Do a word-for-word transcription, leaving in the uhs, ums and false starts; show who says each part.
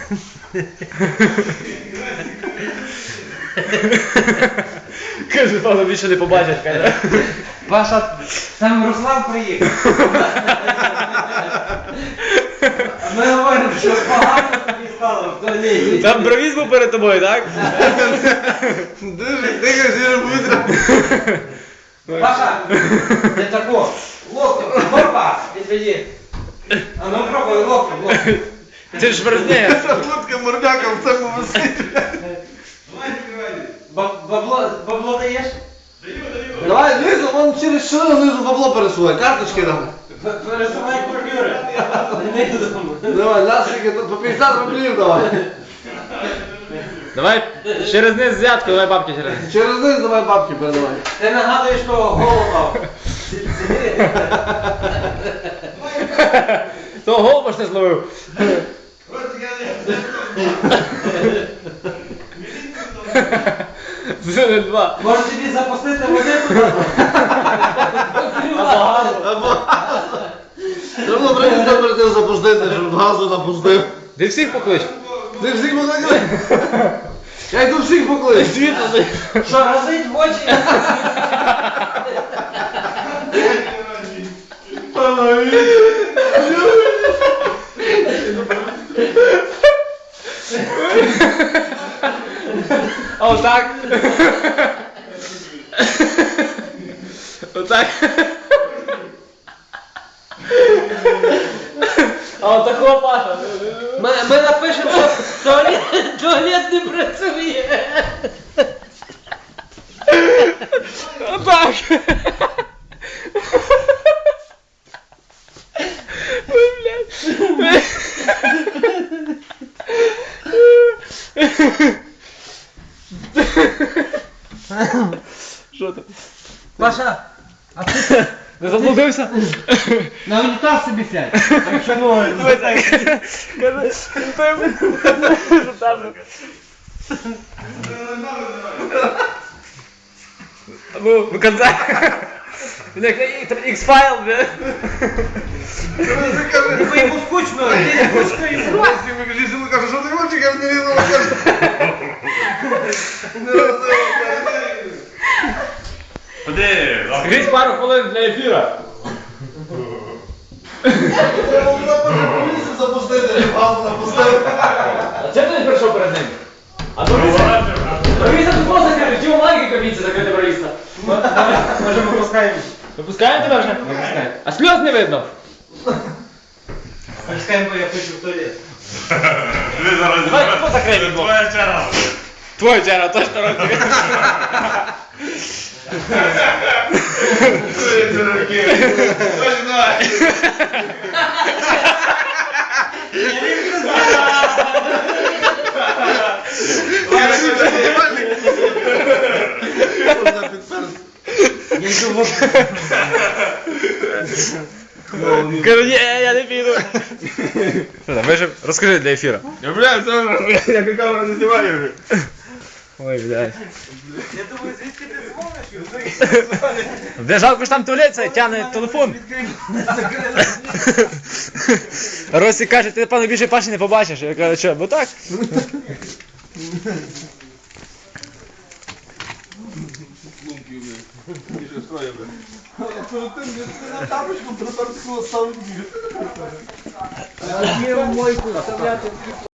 Speaker 1: Каже, певно, більше не побачить, каже.
Speaker 2: Паша, там Руслан приїхав. А ми говоримо, що погано тобі стало в туалеті.
Speaker 1: Там бровіз був перед тобою, так?
Speaker 3: Дуже тихо, сіре бутра.
Speaker 2: Паша, не тако. Локтем, горба, відведі. А ну пробуй локтем, локтем.
Speaker 1: Ти ж верзне.
Speaker 3: Шашлутка мордяка в цьому висить.
Speaker 2: Бабло, бабло даєш?
Speaker 3: Давай, знизу, вон через шину знизу бабло пересувай, карточки там.
Speaker 2: Пересувай купюри. Не додому.
Speaker 3: Давай, лясики, по п'ятдесят рублів давай.
Speaker 1: Давай через низ взятку, давай бабки через низ.
Speaker 3: Через низ давай бабки передавай.
Speaker 2: Ти нагадуєш того голова.
Speaker 1: То голуба ж не зловив. Це два.
Speaker 2: Може тобі запустити води туди?
Speaker 3: Або треба було прийти перед тим запустити, щоб газу напустив.
Speaker 1: Ти всіх поклич.
Speaker 3: Ти всіх покликай? Я йду всіх поклич.
Speaker 2: Що, разить в очі?
Speaker 1: А отак. Отак. А отако, Паша.
Speaker 2: Ми, ми напишемо, що туалет, туалет не працює.
Speaker 1: Отак. Ой, блядь. Що там?
Speaker 2: Паша, а ти
Speaker 1: Не заблудився?
Speaker 2: на унітаз собі сядь. Якщо можна.
Speaker 1: Давай так. Каже, що там? Ну, в конце. X-файл, бля.
Speaker 2: Бо йому скучно, ти не хочеш йому.
Speaker 3: Лізину каже, що ти хочеш, я не лізину кажу.
Speaker 4: Ходи,
Speaker 1: Скажіть пару хвилин для ефіра.
Speaker 3: Треба було поліцію запустити, щоб газу напустив.
Speaker 1: А чим ти не прийшов перед ним? А то провіса тут просто закрити, чого маленький кабінці закрити провіса?
Speaker 2: Може ми пускаємо?
Speaker 1: Випускаємо тебе вже? Випускаємо. А сльоз не видно?
Speaker 2: Пускаємо, бо я хочу в туалет.
Speaker 4: Диви зараз.
Speaker 1: Давай, хто закриє
Speaker 4: Це
Speaker 1: вікно?
Speaker 4: твоя черга.
Speaker 1: Твоя черга, точно розумію.
Speaker 2: Я йду в
Speaker 1: Кажу, ні, я не піду. Що там, ви ж розкажи для ефіра.
Speaker 4: Я, бля, це я камера не знімаю вже.
Speaker 1: Ой, блядь.
Speaker 2: Я думаю, звідки ти дзвониш?
Speaker 1: Де жалко ж там туалет, це тягне телефон. Росі каже, ти, певно, більше Паші не побачиш. Я кажу, що, бо так?
Speaker 3: На тапочку припер ставити.
Speaker 2: Є в мойку вставляти.